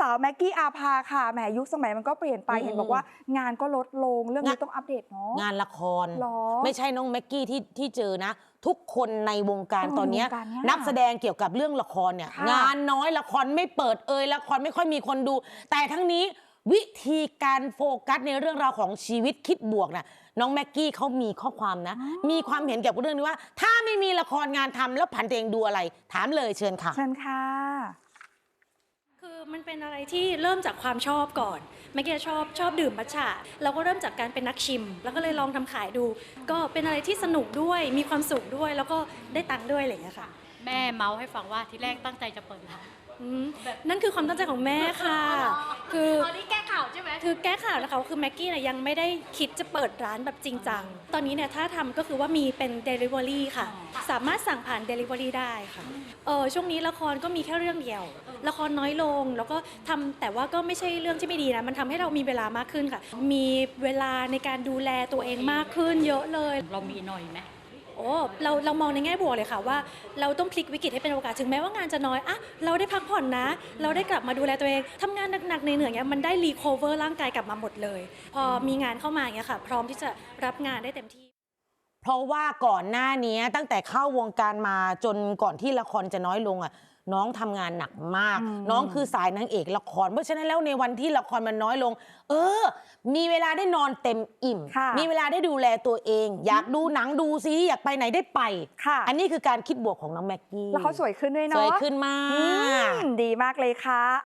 สาวแม็กกี้อาภาค่ะแหมยุคสมัยมันก็เปลี่ยนไปเห็นบอกว่างานก็ลดลงเรื่องนี้ต้องอัปเดตเนาะงานละครหรอไม่ใช่น้องแม็กกี้ที่เจอนะ ทุกคนในวงการตอนนี้วงการเนี้ยนักแสดงเกี่ยวกับเรื่องละครเนี่ยค่ะงานน้อยละครไม่เปิดละครไม่ค่อยมีคนดู แต่ทั้งนี้วิธีการโฟกัสในเรื่องราวของชีวิตคิดบวกนะน้องแม็กกี้เขามีข้อความนะ มีความเห็นเกี่ยวกับเรื่องนี้ว่า ถ้าไม่มีละครงานทำแล้วผันตัวเองดูอะไร ถามเลยเชิญค่ะเชิญค่ะคือมันเป็นอะไรที่เริ่มจากความชอบก่อนแม่แกชอบดื่มมัทฉะเราก็เริ่มจากการเป็นนักชิม แล้วก็เลยลองทำขายดู ก็เป็นอะไรที่สนุกด้วยมีความสุขด้วยแล้วก็ได้ตังค์ด้วยอะไรอย่างเงี้ยค่ะแม่เมาส์ให้ฟังว่าที่แรกตั้งใจจะเปิดร้านนั่นคือความตั้งใจของแม่ค่ะ คือตอนนี้แก้ข่าวใช่ไหมคือแก้ข่าวนะคะคือแม็กกี้เนี่ยยังไม่ได้คิดจะเปิดร้านแบบจริงจัง ตอนนี้เนี่ยถ้าทำก็คือว่ามีเป็น Delivery ค่ะ สามารถสั่งผ่าน Delivery ได้ค่ะช่วงนี้ละครก็มีแค่เรื่องเดียว ละครน้อยลงแล้วก็ทำแต่ว่าก็ไม่ใช่เรื่องที่ไม่ดีนะมันทำให้เรามีเวลามากขึ้นค่ะ มีเวลาในการดูแลตัวเองมากขึ้นเยอะเลยเรามีหน่อยไหมโอ้เรามองในแง่บวกเลยค่ะว่าเราต้องพลิกวิกฤตให้เป็นโอกาสถึงแม้ว่างานจะน้อยอะเราได้พักผ่อนนะ เราได้กลับมาดูแลตัวเองทำงานหนักๆในเหนื่อยๆเนี้ยมันได้รีคอเวอร์ร่างกายกลับมาหมดเลย พอมีงานเข้ามาอย่างเงี้ยค่ะ พร้อมที่จะรับงานได้เต็มที่เพราะว่าก่อนหน้านี้ตั้งแต่เข้าวงการมาจนก่อนที่ละครจะน้อยลงน้องทำงานหนักมาก น้องคือสายนางเอกละครเพราะฉะนั้นแล้วในวันที่ละครมันน้อยลง มีเวลาได้นอนเต็มอิ่มค่ะมีเวลาได้ดูแลตัวเอง อยากดูหนังดูซีรีส์อยากไปไหนได้ไปค่ะอันนี้คือการคิดบวกของน้องแม็กกี้แล้วเขาสวยขึ้นด้วยสเนาะวยขึ้นมากดีมากเลยค่ะ